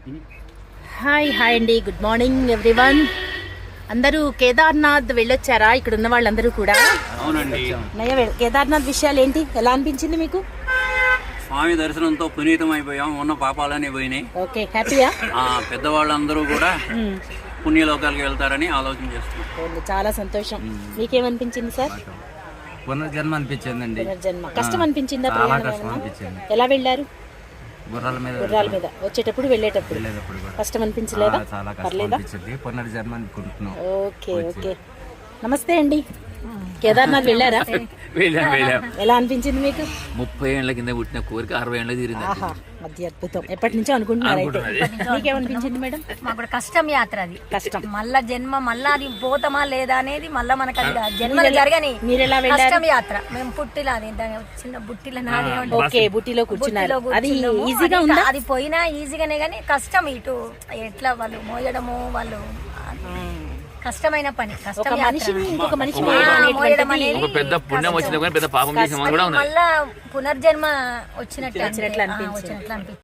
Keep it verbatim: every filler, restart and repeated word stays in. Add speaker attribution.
Speaker 1: Hi hi అండి, good morning everyone. అందరూ కేదార్నాథ్ వెళ్ళొచ్చారా? ఇక్కడ ఉన్న వాళ్ళందరూ కూడా.
Speaker 2: అవునండి.
Speaker 1: నయ్య, కేదార్నాథ్ విషయాలు ఏంటి, ఎలా అనిపించింది మీకు?
Speaker 2: స్వామి దర్శనంతో పునీతం అయిపోయాం, ఉన్న పాపాలన్నీ పోయినాయి.
Speaker 1: ఓకే, హ్యాపీయా?
Speaker 2: పెద్దవాళ్ళందరూ కూడా పుణ్యలోకాలకు వెళ్తారని ఆలోచన చేస్తున్నాం.
Speaker 1: చాలా సంతోషం. మీకేమనిపించింది సార్?
Speaker 3: పునర్జన్మ అనిపించిందండి.
Speaker 1: పునర్జన్మ. కష్టం అనిపించిందా?
Speaker 3: చాలా కష్టం అనిపించింది.
Speaker 1: ఎలా వెళ్ళారు?
Speaker 3: గుర్రాల మీద.
Speaker 1: గుర్రాల మీద వచ్చేటప్పుడు వెళ్ళేటప్పుడు
Speaker 3: వెళ్ళేటప్పుడు కూడా
Speaker 1: కష్టం అనిపించలేదా?
Speaker 3: చాలా కష్టం అనిపించింది. పునర్జన్మ అనుకుంటున్నాం.
Speaker 1: Okay okay. నమస్తే అండి, కేదార్నాథ్ వెళ్ళారా?
Speaker 4: వెళ్ళాం వెళ్ళాం
Speaker 1: ఎలా అనిపించింది మీకు?
Speaker 4: ముప్పై ఏళ్ల కింద పుట్టిన కోరిక అరవై ఏళ్ళ తీరింది.
Speaker 1: ఆహా, మధ్య అద్భుతం. ఎప్పటి నుంచో అనుకుంటున్నారు అయితే. మీకేమనిపించింది మేడం?
Speaker 5: మాకు కూడా కష్టం యాత్ర అది.
Speaker 1: కష్టం.
Speaker 5: మళ్ళా జన్మ మళ్ళా అది పోతామా లేదా అనేది మళ్ళా మనకు అది జన్మలు జరగని
Speaker 1: మీరు ఎలా వెళ్ళారు?
Speaker 5: కష్టం యాత్ర. మేము పుట్టిలా అది దాని చిన్న బుట్టిల నాది ఏమంటారు?
Speaker 1: ఓకే, బుట్టిలో కూర్చున్నారు.
Speaker 5: బుట్టిలో
Speaker 1: అది
Speaker 5: కూర్చున్నాము.
Speaker 1: ఈజీగా
Speaker 5: అది
Speaker 1: ఉందా?
Speaker 5: అది పోయినా ఈజీగానే కానీ కష్టం. ఇటు ఎట్లా వాళ్ళు మోయడము, వాళ్ళు కష్టమైన పని. కష్టం
Speaker 1: ఒక
Speaker 5: యాత్ర.
Speaker 1: మనిషిని ఇంకొక మనిషి
Speaker 5: ఆ,
Speaker 1: మోయడం
Speaker 5: మోయడం
Speaker 1: అనేటువంటిది
Speaker 5: అనేది
Speaker 4: ఒక పెద్ద పుణ్యం వచ్చిన పెద్ద పాపం చేసిన వాళ్ళు కూడా ఉన్నారు.
Speaker 5: మళ్ళా పునర్జన్మ వచ్చినట్టు
Speaker 1: వచ్చినట్లు
Speaker 5: అనిపి- ఆ,
Speaker 1: అనిపించింది.
Speaker 5: వచ్చినట్లు అనిపించింది.